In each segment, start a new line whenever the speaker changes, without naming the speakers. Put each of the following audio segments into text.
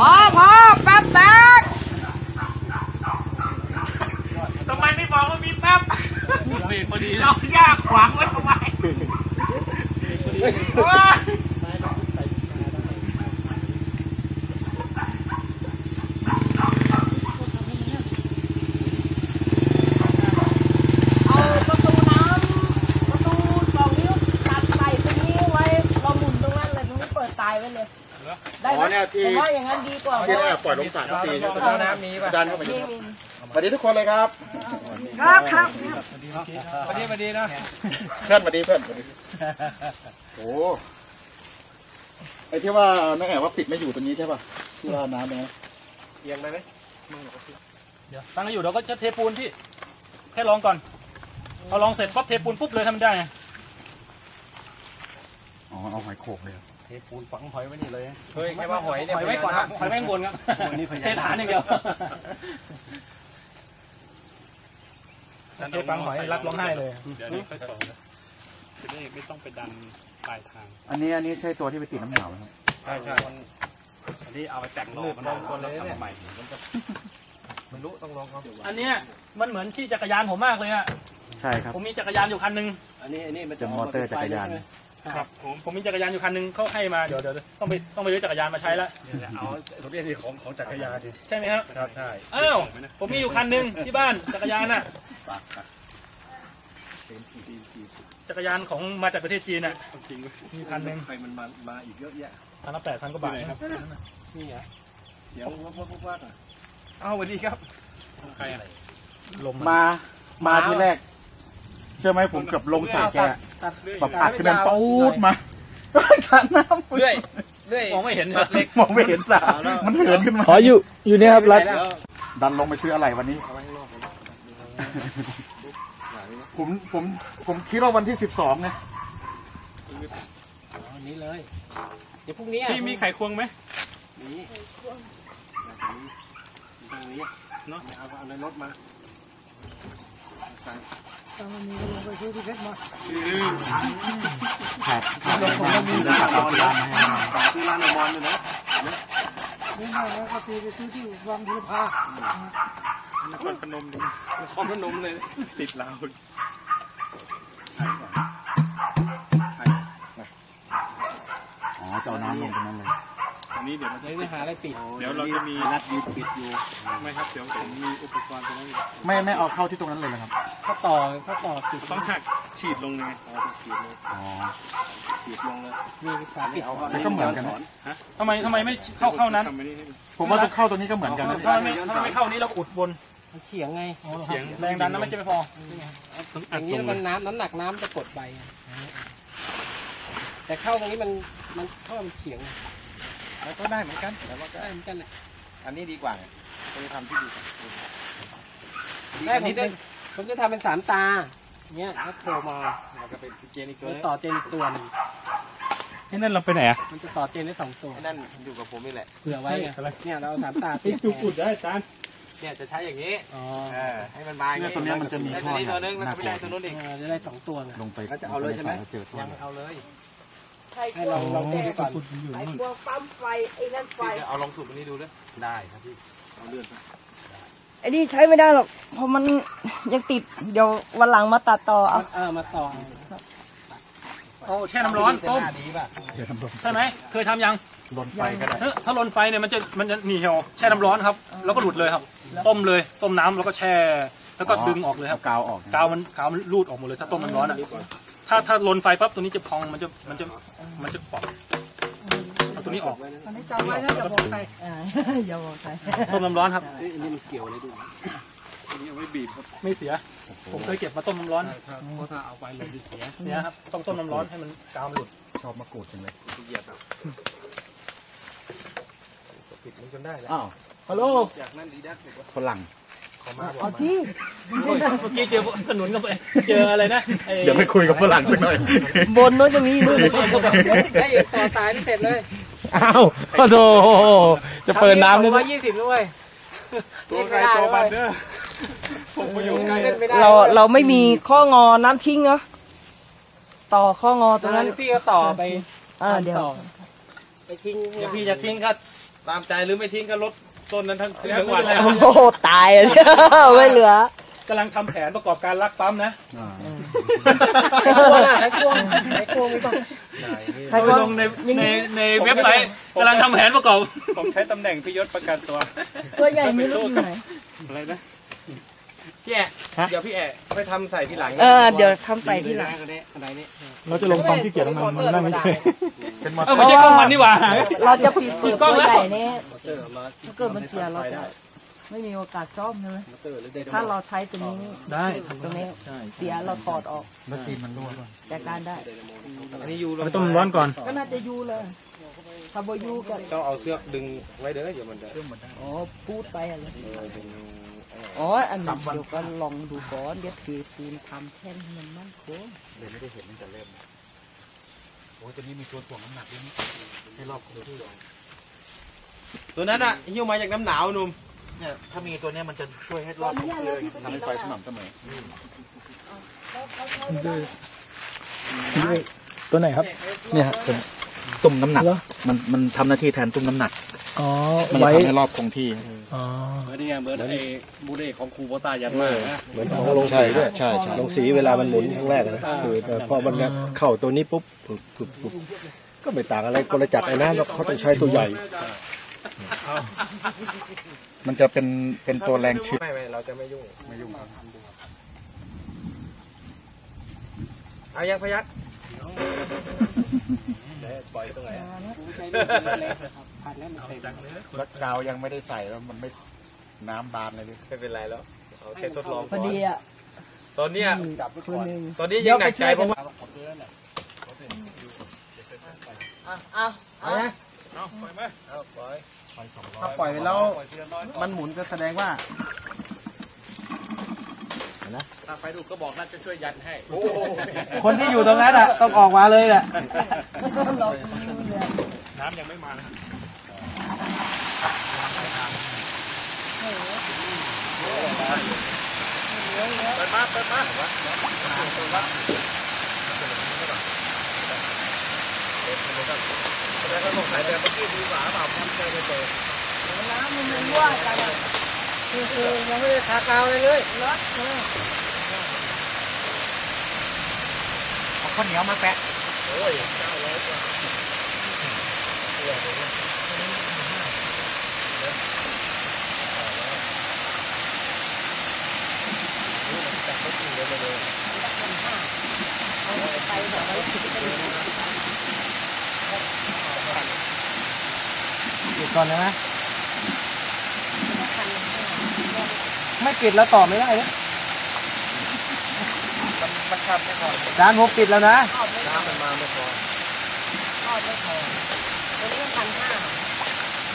พอแป๊บแตกทำไมไม่บอกว่ามีแป๊บเบรกพอดีเรายากขวางไว้ทำไม
ได้ไหมผมว่าอย่างนั้นดีกว่าที่ได้
ปล่อยลงสระที
น้ำมีป่ะ
ดันเข้าไปสวัสดีทุกคนเลยครับ
ครับ
สวัสดีนะเพื่อนสวัสดีเพื่อนโอ้ไอ้ที่ว่านั่นไงว่าปิดไม่อยู่ตรงนี้ใช่ป่ะที่ว่าน้ำเนี่ยเอียงได้ไหม
เดี๋ยวตั้งอยู่เราก็จะเทปูนพี่แค่ลองก่อนเอาลองเสร็จปั๊บเทปูนปุ๊บเลยทำได้ไง
อ๋อเอาหอยโขกเลย
เทปูนฝังหอยไว้นี่เลย
เฮ้ยแค่ว่าหอยเนี่ย
หอยไว้ก่อนครับหอยไว้ข้างบนครับเทฐานอย่างเดียวเทฝังหอยรักร้องไห้เลย
เดี๋ยวนี้ค่อยต่อนะจะได้ไม่ต้องไปดันปลายทาง
อันนี้ใช่ตัวที่ไปติดน้ำเหนาไหม
ใช่อันนี้เอาไปแต่งล้อมันได้คนเลยเนี่ยใหม่มันจะไม่รู้ต้องลองครับ
อันนี้มันเหมือนที่จักรยานผมมากเลยอ่ะ
ใช่ครับ
ผมมีจักรยานอยู่คันนึง
อันนี้มัน
จะมอเตอร์จักรยาน
ครับผมมีจักรยานอยู่คันนึงเขาให้มาเดี๋ยวต้องไปซื้อจักรยานมาใช้แล้ว
เอาทะเบียนของจักรยานดิ
ใช่ไหมครับ
ครับใช่
อ้าวผมมีอยู่คันนึงที่บ้านจักรยานน่ะจักรยานของมาจากประเทศจีนน่ะ
จริง
มีคันนึง
ใครมันมาอีกเยอะแยะ
คันละ8,000 กว่าบาทครับ
นี่เหรอเดี๋ยวว่าเอาสวัสดีครับใครอะไร
ลมมาที่แรกเชื่อไหมผมเกือบลงใส่แกแบบอัดกระเด็นตูดมาสระน้ำ
เรื่อย
มองไม่เห็น
เล็กมองไม่เห็นสระมันเหินขึ้นมา
อยู่เนี่ยครับรัด
ดันลงไปซื้ออะไรวันนี้ผมคิดว่าวันที่12ไง
นี้เลยเดี๋ยวพรุ่งนี้
พี่มีไข่ควงไหม
มีตรงนี้เนาะเอาในรถมา
มันมีลงไปซื้อที่เพชรมา
แผดลงผมก็มีร้านนอน
ซื้อร้านนอนเลยนะ
นี่ไงแล้วก็ตีไปซื้อที่วังบุรพาน
ครพนมเลยติดลาว
อ๋อจะเอาน้ำลงตรงนั้นเลย
อันนี้เดี๋ยว
จะหาอะไรปิด
เดี๋ยวเราจะมี
รัดยึดปิดอยู่
ไม่ครับเดี๋ยวผมมีอุปกรณ์ตรงนั้น
ไม่เอาเข้าที่ตรงนั้นเลยนะครับ
เขาต่อ
ติดต้องหักฉีดลงเลยฉีดลงเลย
มีสายปิด
ก็เหมือนกัน
ทำไมไม่เข้านั้น
ผมว่าจะเข้าตรงนี้ก็เหมือนกันนะ
ถ้าไม่เข้านี้เราอุดบน
เฉียงไง
เฉียงแรงดันนั้นไม่จะไม่พอ
อย่างนี้มันน้ำหนักน้ำจะกดใบแต่เข้าตรงนี้มันเข้ามันเฉียง
แล้วก็ได้เหมือนกัน
แต่ว่าก็ได้เหมือนกันแหละ
อันนี้ดีกว่าไปทำที่ดี
ได้ผมจะทำเป็น3 ตาเนี้ยแล้วโผล่มา
จะเป็นเจนอีกตัว
ต่อเจนอีกตัวนึง
นั่นเราไปไหนอ่ะ
มันจะต่อเจนได้2 ตัว
นั่นอยู่กับผมนี่แหละ
เผื่อไว้เนี่ยเรา3 ตา
จุดได้จาน
เนี่ยจะใช้อย่างนี้ให้มันมาอย่างนี้
ตัวนี้มันจะมี
ท่อตัวนึงแล้วไม่ได้ตัวนู้นอีก
จะได้2 ตัว
ลงไป
จะเอาเลยใช่ไหม
ยัง
เอาเลย
ให้ลองดูก่อน
ไอ้พวกปั๊มไฟไอ้นั่นไฟ
เอาลองสูบตรงนี้ดูด้วยได้ครับพี่เอาเลื่อน
ไอ้นี่ใช้ไม่ได้หรอกเพราะมันยังติดเดี๋ยววันหลังมาตัดต่อเอา
มาต่อ
โอ้แช่น้ำร้อนต้มใช่ไหมเคยทำยัง
ลนไฟก็ได้
ถ้าลนไฟเนี่ยมันจะหนีเหี่ยวแช่น้ำร้อนครับแล้วก็หลุดเลยครับต้มน้ำแล้วก็แช่แล้วก็ดึงออกเลยครับ
กาวออก
กาวมันรูดออกหมดเลยถ้าต้มน้ำร้อนอ่ะถ้าลนไฟปั๊บตัวนี้จะพองมันจะปอกเอาตัวนี้ออก
อันนี้จำไว้นะอย่าบอกใคร
อย่าบอกใคร
ต้มน้ำร้อนครับ
อันนี้มันเกี่ยวอะไรด้วยอันนี้เอาไว้บีบครับ
ไม่เสียผมเคยเก็บมาต้มน้ำร้อน
เพราะถ้าเอาไปเลยเสีย
เนี่ยครับต้องต้มน้ำร้อนให้มันกาวมันหลุด
ชอบมะกรูดจังเลย
เหยียบปิดมันจนได้แล้ว
อ้าวฮัลโหล
จากนั้นดีดัก
ฝรั่ง
เอาที่
เมื่อกี้เจอขนุนกับเจออะไรนะ
เดี๋ยวไปคุยกับฝรั่งสักหน่อย
บนนู้นจะมีด้วย
ได้ต่อสายไม่เสร็จเลย
อ้าวโอ้โหจะเปิดน้ำ
ได้120ด้วย
ตัวใครตัวบันเด้อผมไปอยู่ใกล้
เราไม่มีข้องอน้ำทิ้งเนาะต่อข้องอตรงนั้น
พี่ก็ต่อไป
เดี๋ยว
ไปทิ้ง
เดี๋ยวพี่จะทิ้งก็ตามใจหรือไม่ทิ้งก็ลดต้นนั้นทั้งวัน
โอ้โหตายเลยไม่เหลือก
ำลังทำแผนประกอบการลักปั๊มนะ
ไอ้กวงไม่ต้อง
ใคร
ไป
ว่า
ลงในเว็บไซต์กำลังทำแผนประกอบผมใช้ตำแหน่งพิยศประกันตัว
ตัวใหญ่ไม่รู้อยู่ไหน
อะไรนะ
พี่แอะเดี๋ยวพี่แอะไปทำใส่ทีหลัง
เดี๋ยวทำใส่ที่หลัง
อะไรนี่
เราจะลงความขี้เกียจมันนั่งไม่ใช่
เป็นมอเต
ไม่
อ
ใช่
ร์
กล้องมันนี่หว่า
เราจะปิดเปิดตัวใหญ่นี้ถ้าเกิดมันเสียเราจะไม่มีโอกาสซ่อมใช่ไหมถ้าเราใช้ตัวนี้
ได้
ตรงนี้เสียเราถอดออก
แล้วซีนมันรั่วป่ะ
จัดการได้
อันนี้ยู
ไปต้มร้อนก่อน
ก็น่าจะยูเลยถ้าบยูก็
ต้องเอาเสือกดึงไว้เด้อเดี๋ยวมันจะ
อ๋อพูดไปอะไรอ๋ออันนี้เดี๋ยวก็ลองดูก่อนเดี๋ยวสีปูนทำแค่ให้มันมั่นคง
เลยไม่ได้เห็นตั้งแต่เริ่มโอ้ตัวนี้มีตัวถ่วงน้ำหนักด้วยนี่ให้รอบตัวที่
ตัวนั้นอะหิ้วมาจากน้ำหนาวนุ่ม
เนี่ยถ้ามีตัวเนี้ยมันจะช่วยให้รอบของเลยทำให้ไฟสม่ำเสมอ
ตัวไหนครับ
เนี่ยครับเป็นตุ่มน้ำหนักมันทำหน้าที่แทนตุ่มน้ำหนัก
อ๋อ
มันจะทำให้รอบคงที่
อ๋อ
เหมือนนี่ไงเหมือนไอ้บูเร่ของครูโบต้ายันมากนะ
เหมือนของลงสีด้วย
ใช่ใช่
ลงสีเวลามันหมุนครั้งแรกนะคือแต่พอมันเข้าตัวนี้ปุ๊บปุ๊บก็ไม่ต่างอะไรกลจักรไอ้น้ำแล้วเขาต้องใช้ตัวใหญ่
มันจะเป็นตัวแรงชื้น
ไม่เราจะไม่ยุ่ง
ไม่ยุ่งครับ
เอายังพยัก
แล้วกาวยังไม่ได้ใส่แล้วมันไม่น้ำบานเลยดิ
ไม่เป็นไรแล้วเอาแค่ทดลอง
พอดีอ่ะ
ตอนเนี้ย
คนหนึ่ง
ตอนนี้ยังหนักใจเพราะว่า
เอา
เอาไปไหม
ถ้าปล่อยไปแล้วมันหมุนก็แสดงว่า
ถ้าไฟดูดก็บอกน่าจะช่วยยันให้
คนที่อยู่ตรงนั้นอ่ะต้องออกมาเลยแหละ
น้ำยังไม่มานะครับ
น้ำมันรั่วจังอ่ะ
คือยังไม่ได้ทากาวเลย
เอาข้าวเหนียวมาแปะ
ปิดก่อนนะไม่ปิดแล้วต่อไม่ได้เลย
มันขับไม่พอ
จานผมปิดแล้วนะ
น้ำมันมาไม่พอ
ตัวนี้1,500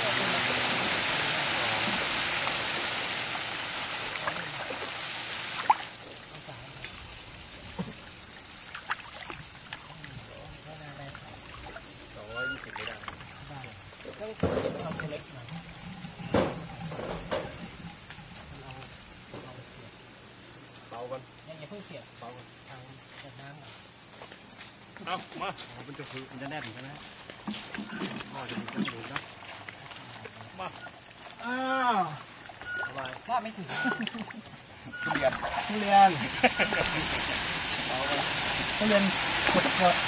อย่าเพิ่งเสียบเบาทางเปิดน้ำก่อน
เอามา
มันจะฟื้นมันจะแน่นใช่ไหมพ่อจะมีกระดูกนะ
อ้าว
ว่าไม่ถึง
ทุเรียน
ทุเรียนขุดเถอะ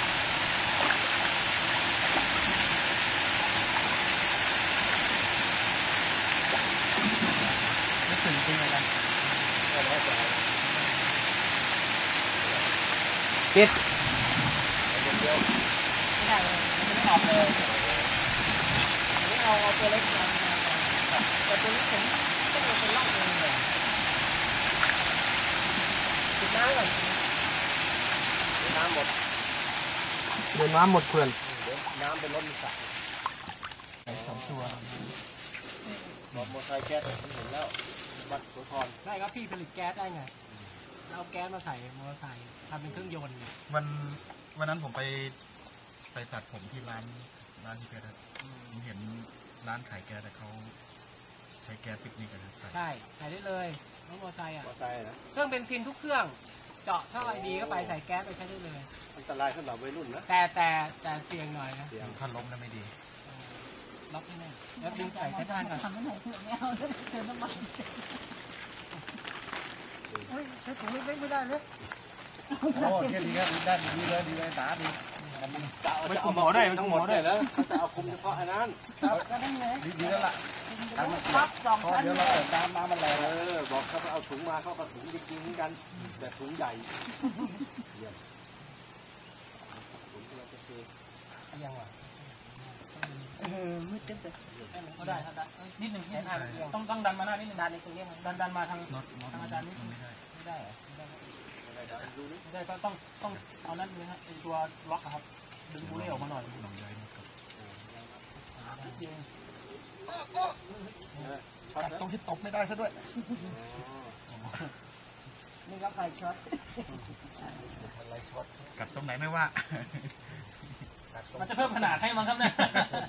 ไม่ถึงจริงเลยนะ
ปิด
ไม่ได้เลยไม่ออกเลยนี่เอาตัวเล็กมาแต่ตัวนี้ผมต้องเอาเป็นรอบเองเลยปิดน้ำก่อน
น้ำหมด
เดินน้ำหมดเพื่อน
น้ำเป็นรถมีสระ
มอเตอร์ไซค์แก๊สมันเห็นแล้ววัดโสธร
ได้ครับพี่ผลิตแก๊สได้ไงเอาแก๊สมาใส่มอเตอร์ไซค์ทำเป็นเครื่องยนต์
วันนั้นผมไปตัดผมที่ร้านที่แก๊สผมเห็นร้านขายแก๊สแต่เขาใช้แก๊สปิกนิกกันใส่
ใช่ใส่ได้เลยรถมอเตอร์ไซค์อ่ะ
มอไซค์นะ
เครื่องเบนซินทุกเครื่อง เจาะช่องไอดีเข้าไปใส่แก๊สไปใช้ได้เลย
อันตรายสำหรับวัยรุ่นนะ
แต่เสี่ยงหน่อยนะ
ถ้าล้มแล้วไม่ดี
ล็อกให้แน่แล้วดึงใส่ใต้านก่อน
ทำไม่ไหนเถอะไม่เอาเดินน้ำมันเฮ้ยใช้ถุงเล็กๆไม่ได้เลย
โอ้เที่ยดีครับได้ดีเลยตาดี
ไม่ต้องหมอได้ไม่ต้องหมอได้
แล้วเขาจะเอาคุมเฉพาะอันนั้น
ก็ได้ไง
ดีแล้วล่ะ
พับสองชั้น
เดี๋ยวเราเปิดน้ำมันแรง
บอกเขาไปเอาถุงมาเขาก็ถุงจริงๆเหมือนกันแต่ถุงใหญ่
มืดเต็มเลย
ก็ได้ครับนิดหนึ่งต้องดันมาหน้านิดหนึ่ง
ดันในตรงนี้มัน
ดันมาทางอาจารย์นิดนึงไม่ได้เหรอไม่ได้ต้องเอานั่นเลยฮะเป็นตัวล็อกครับดึงบุเล่ออกมาหน่อย
ตรงที่ตกไม่ได้ซะด้วย
นี่ก็ใครช็อต
กัดตรงไหนไม่ว่า
มันจะเพิ่มขนาดให้มันครับเนี่ย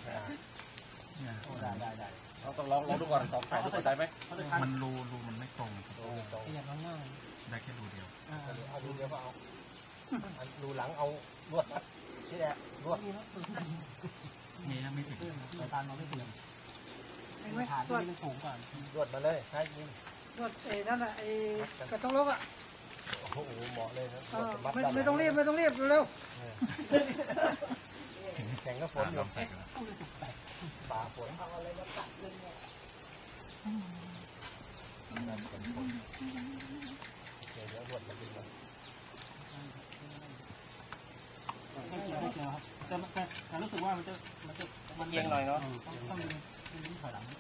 ได้เราต้องลองดูก่อน2 ใส่ดูได้ไหม
มันรูมันไม่ตรง
อย่างข้างหน้า
ได้แค่รูเดียว
เอาดูเดี๋ยวเอาดูหลังเอาลวดที่แหละลวด
มีนะไม่ถึง
สายพานเราไม่เปลี่ยน
ไอ้เว้ย
ฐาน
ตรวจ
ที่มันสูงกว่า
ลวดมาเลยใช่ยิง
ตรวจไอ้นั่นแหละไอ้กระต้องลกอ่ะ
โอ้โหเหมาะเลยนะ
ไม่ต้องรีบเร็ว
แข่งก็ฝนอยู่ป่าฝน
ไม่เกี่ยวครับแต่รู้สึกว่ามัน
เอียงหน่อยเนาะ
ต้องดึงถอยหลัง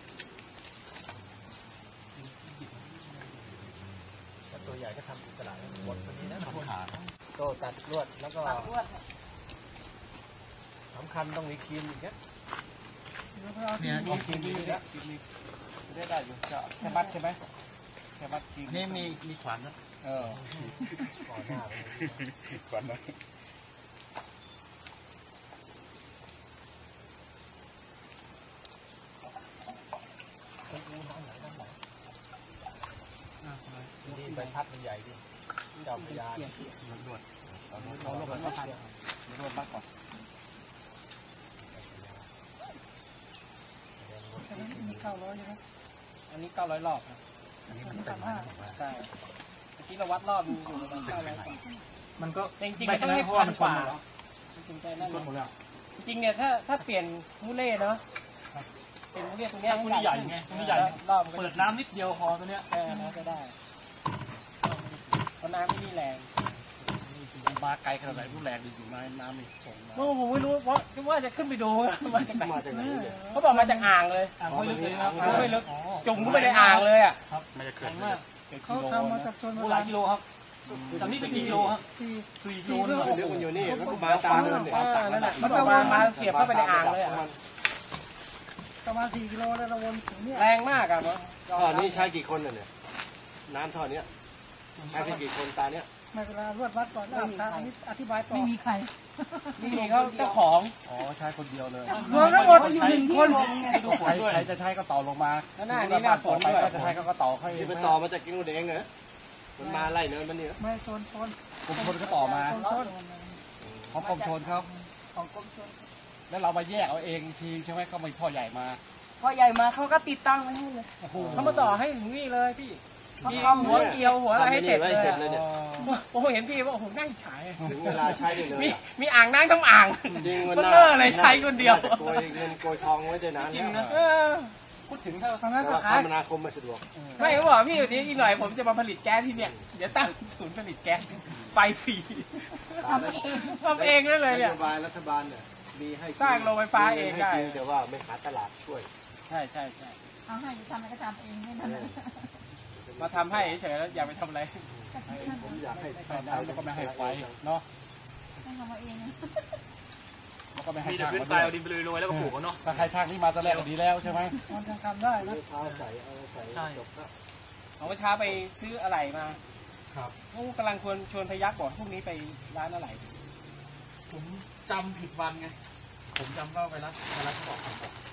ตัวใหญ่ก็ทำอิสระหมดพอดีนะโซ่ตัดลวดแล้วก็
ๆตัดลวด
สำคัญต้องมีครีมอีกนะ
เนี่ย
มีครีมดีนะได้อยู่จะแค่มัดใช่ไหมแค่มัดครีม
นี่มีขวานนะ
ก่อนหน้า
ขวานนะ
นี่ใบพัดมันใหญ่ดิเจ้าพญาลวดเราลวดมันพันลวดมากกว่า
มี900ใช่ไหม
อันนี้900 รอบ
อันนี้มันเต็มแล้วนะ
ใช่เมื่อกี้เราวัดรอบอยู่ประมาณ900
มันก็
จริงๆมันต้องให้
เพราะว่ามันช
ก
น
ว่า
หมดแล้ว
จริงๆใจนั่น
ชนหมดแล้ว
จริงๆเนี่ยถ้าเปลี่ยนมูเล่เนาะเป็นมูเล่ตัวเนี้ย
ตัวนี้ใหญ่ไงตัวนี้ใหญ่
รอบ
เปิดน้ำนิดเดียวพอตัวเนี้ย
น่าจะได้เพราะน้ำไม่มีแรงมาไกลขนาดไหนรู้แรงดีอยู่น้ำมีส่งมาผมไม่รู้เพราะว่าจะขึ้นไปดูมาจากไหนเขาบอกมาจากอ่างเลย
อ่างไม่ลึกเลยนะ
อ่างไม่ลึกจุ่มเข้าไปในอ่างเลยอ่ะ
มันจะเกิ
แข็
ด
งมาก
เขาทำมาจากชน
หลายกิโลครับจากนี้เป็นกี่กิโลครับ
4
4 กิโลเลย
ลึกมันอยู่นี่มาตามนั่นแหละมันก็มาเสียบเข้าไปในอ่างเลยอ่ะ
ประมาณ4 กิโลแล้วเราวนถึงเนี่ย
แรงมากอ่ะ
ท่อนี้ใช้กี่คนเนี่ยน้ำท่อนี้ใช้กี่คนตาเนี้ย
ไม่เวลารวดวัดก่อนอันนี้อธิบายต่อไม่มีใคร
นี่เขาเจ้าของ
อ๋อใช้คนเดียวเลย
รวมทั้งหมดอยู่1 คน
ดูฝนด้วย
ใครจะใช้ก็ต่อลงมา
แล้วหน้านี้หน้าฝนด้วย
จะใช้ก็ต่อให้ที่ไปต่อมาจากกิ้งแดงเหรอมันมาไล่เนินมันนี่
ไม่ชน
กรมชนก็ต่อมา
ชน
เขากรมชนเขา
ของกรมชน
แล้วเรามาแยกเอาเองทีใช่ไหมก็มีท่อใหญ่มา
พอใหญ่มาเขาก็ติดตั้งไว้ให้เลย
เขามาต่อให้ถึงนี่เลยพี่
เขา
มี
ทำ
หัวเกลียวหัวอะไรให้เสร็จเลย
เนี่ย
โอ้โหเห็นพี่ว่าโอ้โหน่าอิจฉา
ถึงเวลาใช้ได้เลย
มีอ่างนั่งทั้งอ่าง
จริง
มันเลอะเลยใช้คนเดียว
โกยเงินโกยทองไว้ได้นาน
จริงนะ
เออ
พูดถึงถ้า
ทางนั้น
แต่
ก็
ว่า
ขาย
คมนาคมไม่สะดวก
ไม่เขาบอกพี่อยู่นี้อีกหน่อยผมจะมาผลิตแก๊สที่เนี่ยเดี๋ยวตั้งศูนย์ผลิตแก๊สไฟฟรีทำเองได้เลยเนี่ย
นโยบายรัฐบาลเนี่ยมีให้
สร้างโรงไฟฟ้าเองได้
แต่ว่าไม่หาตลาดช่วย
ใช่ใช่ใช่
เอาให้ทำอะไรก็ทำเองไม่นั่น
มาทำให้เฉยๆแล้วอย่าไปทำอะไร
ผมอยากให้
ใส่น้ำแล้วก็ไม่ให้ไฟเนาะ
ให้ทำเอาเอง
แล้วก็ไม่ให้
มีแต่
ช่าง
พื้นทรายเอาดินไปโรยๆแล้วก็ปลูกเนาะ
ถ้าใครช่างนี่มาตะแรกก็ดีแล้วใช่ไหม
มันยังทำได้นะ
เอาใส่จบแล้ว
เอาเช้าไปซื้ออะไรมา
ครับ
โอ้กำลังชวนพยักบอกพรุ่งนี้ไปร้านอะไร
ผมจำผิดวันไงผมจำว่าไวรัสเขาบอก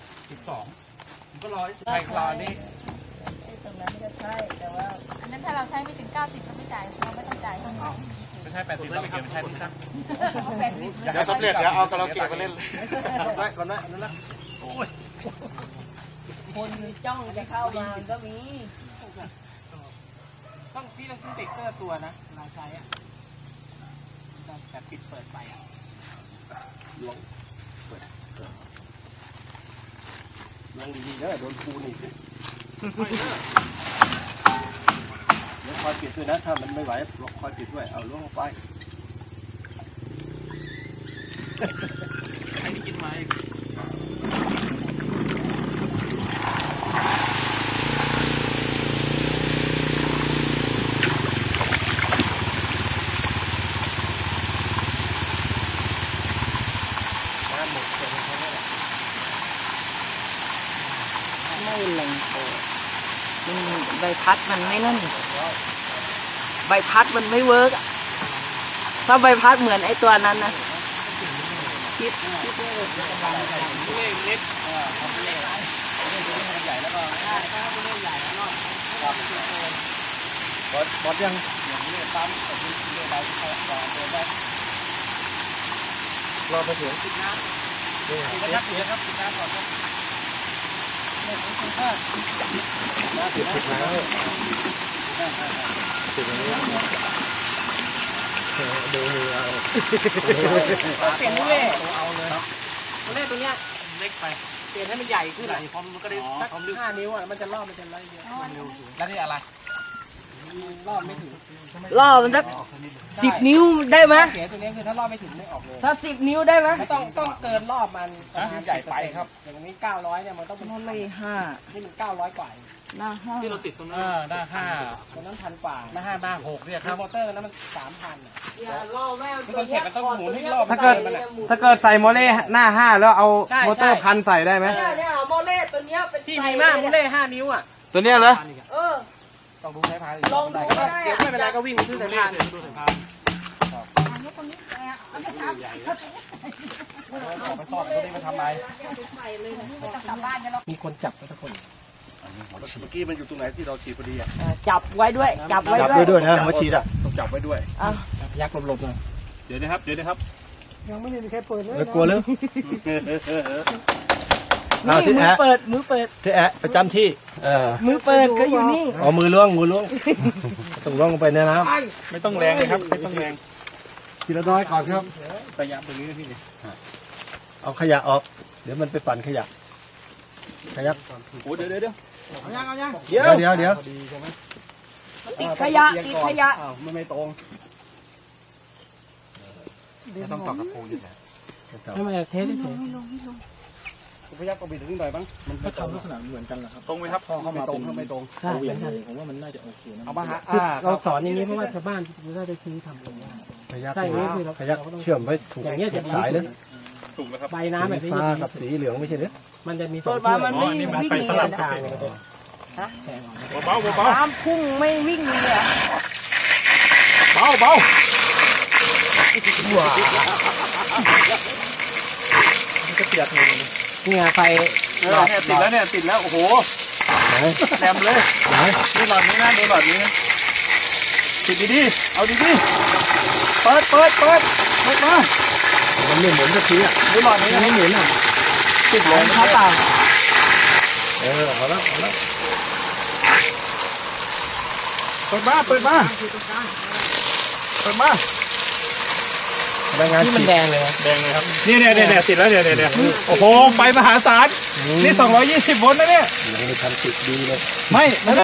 12ผมก็รอใช่รอนี่
ตรงนั้นไม่ได้ใช่แต่ว่าอันนั้นถ้าเราใช้ไม่ถึง90เราไม่จ่ายเราไม่ต้องจ่ายเท่านั้น
ไม่ใช่80เราไปเก็บไม่ใช่ที่ซัก
80
เดี๋ยวสำเร็จเดี๋ยวเอากระเราเก็บมาเล่น
ก่อนนะนั่นละ
คนจ้องจะเข้ามาก็มี
พี่ต้องซื้อเบรกเกอร์ตัวนะลายใช้อ่ะแบบปิดเปิดไปอ่ะ
ลองดีๆนะโดนปูนี่เดี๋ยวคอยปิดด้วยนะถ้ามันไม่ไหวคอยปิดด้วยเอาล่วงลงไป
ใครที่กินไม้
ไม่แรงพอใบพัดมันไม่นั่นใบพัดมันไม่เวิร์กถ้าใบพัดเหมือนไอ้ตัวนั้นนะคิด
เล็ก
บอสยังรอไปถึง
ปิดน้ำปิดครับปิดน้ำก่อนครับ
ติดแล้วติดอย่างนี้ดูมือเอา
เปลี่ยนมูเล่มูเล่ตัวเนี้ยเล็กไปเปลี่ยนให้มันใหญ่ขึ้นพร้อมมันก็ได้สัก5 นิ้วอ่ะมันจะรอบมันจะไล่เยอะแล้วนี่อะไรรอบไม่ถึง
ล่อมันสัก10 นิ้วได้ไหม
เสียตัวนี้คือถ้ารอบไม่ถึงไม่ออกเลย
ถ้า10 นิ้วได้ไหม
ต้องเกินรอบมันใหญ่ไปครับอย่างนี้900เนี่ยมันต้องเป็น
โมเล่5
นี่มัน900 กว่า
หน้า5
ที่เราติดตรงนั้นหน้า5ตรงนั้น1,000 กว่าหน้า5หน้า6เนี่ยครับมอเตอร์นั้นมัน 3,000อ่ะ
อย่าล่อแม่
มันต้องเข็นมันต้องหมุนให้รอบ
ถ้าเกิดใส่โมเล่หน้า5แล้วเอามอเตอร์พันใส่ได้ไหม
เนี่ยโมเล่ตัวเนี้ยเป็น
ที่มีมากมูเล่5 นิ้วอ่ะ
ตัวเนี้ยเหรอ
ต้องดูสายพาน
ลองดูก็ได้
เดี๋ยวไม่เป็นไรก็วิ่งซื้อสายพานไปสอบก็ได้มาทำไมมีคนจับทุกคน
เมื่อกี้มันอยู่ตรงไหนที่เราฉีดพอดีอ่ะ
จับไว้ด้วยจับไว้
จับ
ด้วย
ด้วยนะมาฉีดอ่ะ
ต้องจับไว้ด้วย
ยักษ์หลบๆเลย
เดี๋ยวนะครับ
แล้วกลัวหรือเอา
นี่
ที่
มือ
แอะ
เปิด
ที่แอะประจำที่
มือเปิดก็อยู่นี่
เอามือล้วงต้องล้วงลงไปในน้
ไม่ต้องแรงเลยครับไม่ต้องแรง
ำทีละน้อยก่อนครับ
ระยะตรงนี้พี่
เอาขยะออกเดี๋ยวมันไปปั่นขยะ
โอ้เดี๋ยว
เดี๋ยว
ติดขยะติดขยะ
ไม่ตรง
ต้องต่อกับปูนี่แหละ
ทำไมเทสได้ถูก
พยักก็บิดถึงหน่อยบ้างมัน
ก็ทำลักษณะเหมือนกันแหละครับ
ตรงไหมครับ
พอเข้ามา
ตร
เป็
ง
น
ไม่ตรง
ใช่ผมว่ามันน่าจะโอเคนะ
เอามาหา
เราสอนอย่างนี้เพราะว่าชาวบ้านจะได้ซื้อทำกัน
ขยะ
ใช่นี่คือเรา
ขยะเชื่อมไว้ถูก
อย่างเงี้ยจะ
สายเลย
ถูกแล้วครับ
ใบน้ำแบบนี้
ฟ้ากับสีเหลืองไม่ใช่หรือ
มันจะมี
ส่วนมามันไม่วิ่ง
ไปสลับ
เลย
กลาง
เบาเบา
น้ำพุ่งไม่วิ่งเลยอะ
เบาเบา
เนี่ยไฟ
เนี่ยติดแล้วโอ้โหแหลมเลยดูหลอดนี้นะดูหลอดนี้ติดดีๆเอาดีๆเปิดมา
มันไม่หมุนสักทีอ่ะ
ดูหลอดนี้นะไม่หมุนอ่ะติดลง
เขาเปล่า
เอาแล้ว
เปิดมาพนักงาน
ที่มันแดงเลย
แดงเลยครับเนี่ยติดแล้วเนี่ยโอ้โหไฟมหาศาลนี่220 โวลต์นะเนี่ย
ไม่ทันติดดีเลย
ไม่